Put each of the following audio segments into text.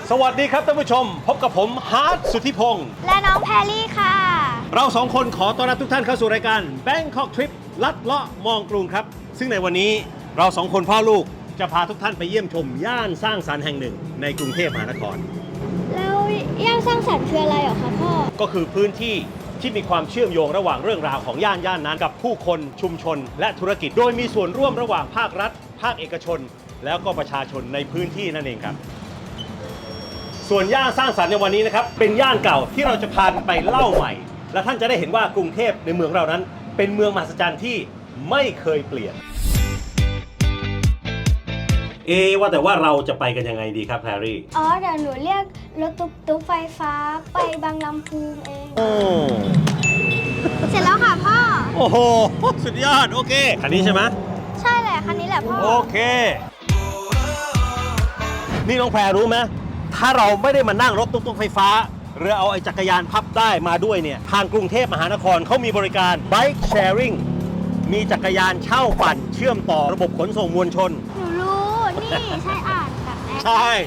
สวัสดีครับท่านผู้ชมพบกับผมฮาร์ดสุทธิพงศ์และน้องแพรลี่ค่ะเราสองคนขอต้อนรับทุกท่านเข้าสู่รายการ Bangkok Trip ลัดเลาะมองกรุงครับซึ่งในวันนี้เราสองคนพ่อลูกจะพาทุกท่านไปเยี่ยมชมย่านสร้างสรรค์แห่งหนึ่งในกรุงเทพมหานครแล้วย่านสร้างสรรค์คืออะไรเหรอคะพ่อก็คือพื้นที่ที่มีความเชื่อมโยงระหว่างเรื่องราวของย่านนั้นกับผู้คนชุมชนและธุรกิจโดยมีส่วนร่วมระหว่างภาครัฐภาคเอกชนแล้วก็ประชาชนในพื้นที่นั่นเองครับส่วนย่านสร้างสรรค์ในวันนี้นะครับเป็นย่านเก่าที่เราจะพาไปเล่าใหม่และท่านจะได้เห็นว่ากรุงเทพในเมืองเรานั้นเป็นเมืองมหัศจรรย์ที่ไม่เคยเปลี่ยนว่าแต่ว่าเราจะไปกันยังไงดีครับแพรรี่เดี๋ยวหนูเรียกรถตุ๊กไฟฟ้าไปบางลำพูเองเสร็จแล้วค่ะพ่อโอ้โหสุดยอดโอเคคันนี้ใช่ไหมใช่แหละคันนี้แหละพ่อโอเคนี่น้องแพรรู้ไหมถ้าเราไม่ได้มานั่งรถตุ๊กไฟฟ้าหรือเอาไอ้จักรยานพับได้มาด้วยเนี่ยทางกรุงเทพมหานครเขามีบริการ Bike Sharing มีจักรยานเช่าปั่นเชื่อมต่อระบบขนส่งมวลชนหนูรู้นี่ใช่อ่านแบบแอปใช่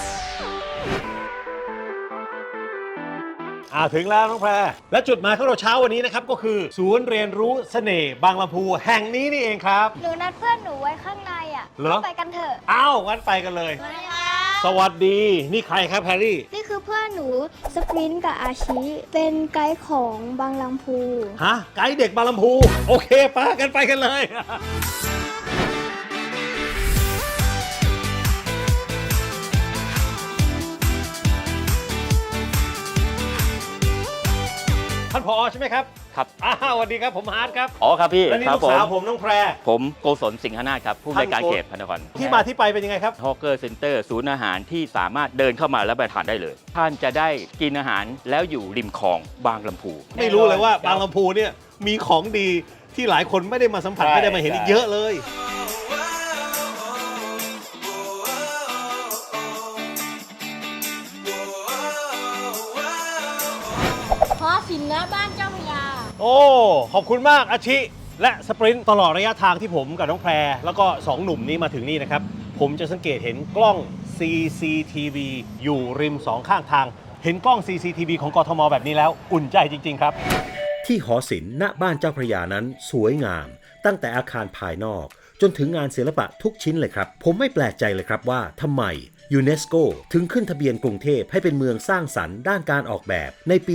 ถึงแล้วน้องแพรและจุดหมายของเราเช้าวันนี้นะครับก็คือศูนย์เรียนรู้เสน่ห์บางลำพูแห่งนี้นี่เองครับหนูนัดเพื่อนหนูไว้ข้างในเหรอไปกันเถอะงั้นไปกันเลยสวัสดีนี่ใครครับแพรรี่นี่คือเพื่อนหนูสปรินต์กับอาชิเป็นไกด์ของบางลำพูไกด์เด็กบางลำพูโอเคไปกันเลยท่านผอ.ใช่ไหมครับครับสวัสดีครับผมฮาร์ดครับครับพี่และนี่ลูกสาวผมน้องแพรผมโกศลสิงหนาถครับผู้บริการเขตพระนครที่มาที่ไปเป็นยังไงครับฮอกเกอร์เซ็นเตอร์ศูนย์อาหารที่สามารถเดินเข้ามาแล้วไปทานได้เลยท่านจะได้กินอาหารแล้วอยู่ริมคลองบางลำพูไม่รู้เลยว่าบางลำพูเนี่ยมีของดีที่หลายคนไม่ได้มาสัมผัสไม่ได้มาเห็นอีกเยอะเลยสินนะบ้านเจ้าพญาขอบคุณมากอาชิและสปรินต์ตลอดระยะทางที่ผมกับน้องแพรแล้วก็2หนุ่มนี้มาถึงนี่นะครับผมจะสังเกตเห็นกล้อง CCTV อยู่ริม2ข้างทางเห็นกล้อง CCTV ของกทมแบบนี้แล้วอุ่นใจจริงๆครับที่หอศิลป์ณบ้านเจ้าพระยานั้นสวยงามตั้งแต่อาคารภายนอกจนถึงงานศิลปะทุกชิ้นเลยครับผมไม่แปลกใจเลยครับว่าทำไมยูเนสโกถึงขึ้นทะเบียนกรุงเทพให้เป็นเมืองสร้างสรรค์ด้านการออกแบบในปี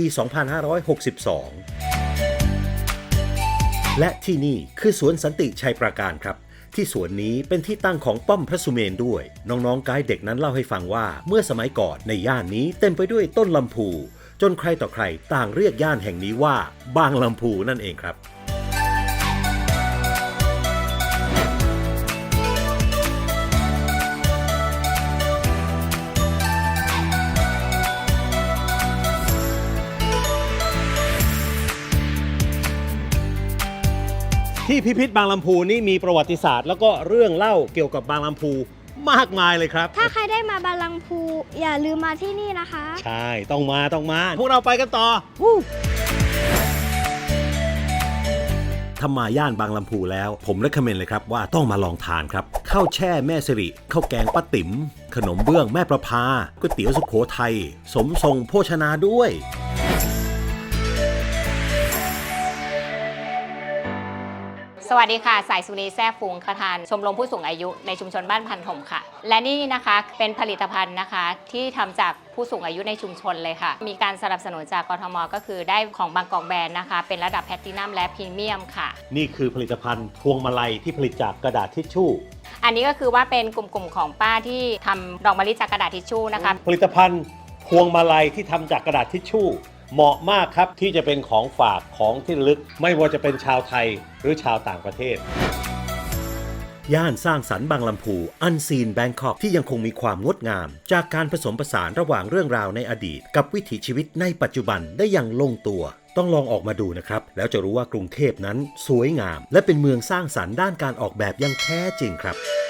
2562 และที่นี่คือสวนสันติชัยปราการครับที่สวนนี้เป็นที่ตั้งของป้อมพระสุเมนด้วยน้องๆไกด์เด็กนั้นเล่าให้ฟังว่าเมื่อสมัยก่อนในย่านนี้เต็มไปด้วยต้นลำพูจนใครต่อใครต่างเรียกย่านแห่งนี้ว่าบางลำพูนั่นเองครับที่พิพิธบางลำพูนี่มีประวัติศาสตร์แล้วก็เรื่องเล่าเกี่ยวกับบางลำพูมากมายเลยครับถ้าใครได้มาบางลำพูอย่าลืมมาที่นี่นะคะใช่ต้องมาพวกเราไปกันต่อถ้ามาย่านบางลำพูแล้วผมเรคคอมเมนต์เลยครับว่าต้องมาลองทานครับข้าวแช่แม่สิริข้าวแกงป้าติ๋มขนมเบื้องแม่ประภาก๋วยเตี๋ยวสุโขทัยสมทรงโภชนาด้วยสวัสดีค่ะสายสุนีแซ่ฟูงประธานชมรมผู้สูงอายุในชุมชนบ้านพันธมค่ะและนี่นะคะเป็นผลิตภัณฑ์นะคะที่ทำจากผู้สูงอายุในชุมชนเลยค่ะมีการสนับสนุนจากกทมก็คือได้ของบางกอกแบรนด์นะคะเป็นระดับแพลตตินัมและพรีเมียมค่ะนี่คือผลิตภัณฑ์พวงมาลัยที่ผลิตจากกระดาษทิชชู่อันนี้ก็คือว่าเป็นกลุ่มของป้าที่ทำดอกมะลิจากกระดาษทิชชู่นะคะผลิตภัณฑ์พวงมาลัยที่ทำจากกระดาษทิชชู่เหมาะมากครับที่จะเป็นของฝากของที่ระลึกไม่ว่าจะเป็นชาวไทยหรือชาวต่างประเทศย่านสร้างสรรค์บางลำพูอันซีนแบงคอกที่ยังคงมีความงดงามจากการผสมผสานระหว่างเรื่องราวในอดีตกับวิถีชีวิตในปัจจุบันได้อย่างลงตัวต้องลองออกมาดูนะครับแล้วจะรู้ว่ากรุงเทพนั้นสวยงามและเป็นเมืองสร้างสรรค์ด้านการออกแบบอย่างแท้จริงครับ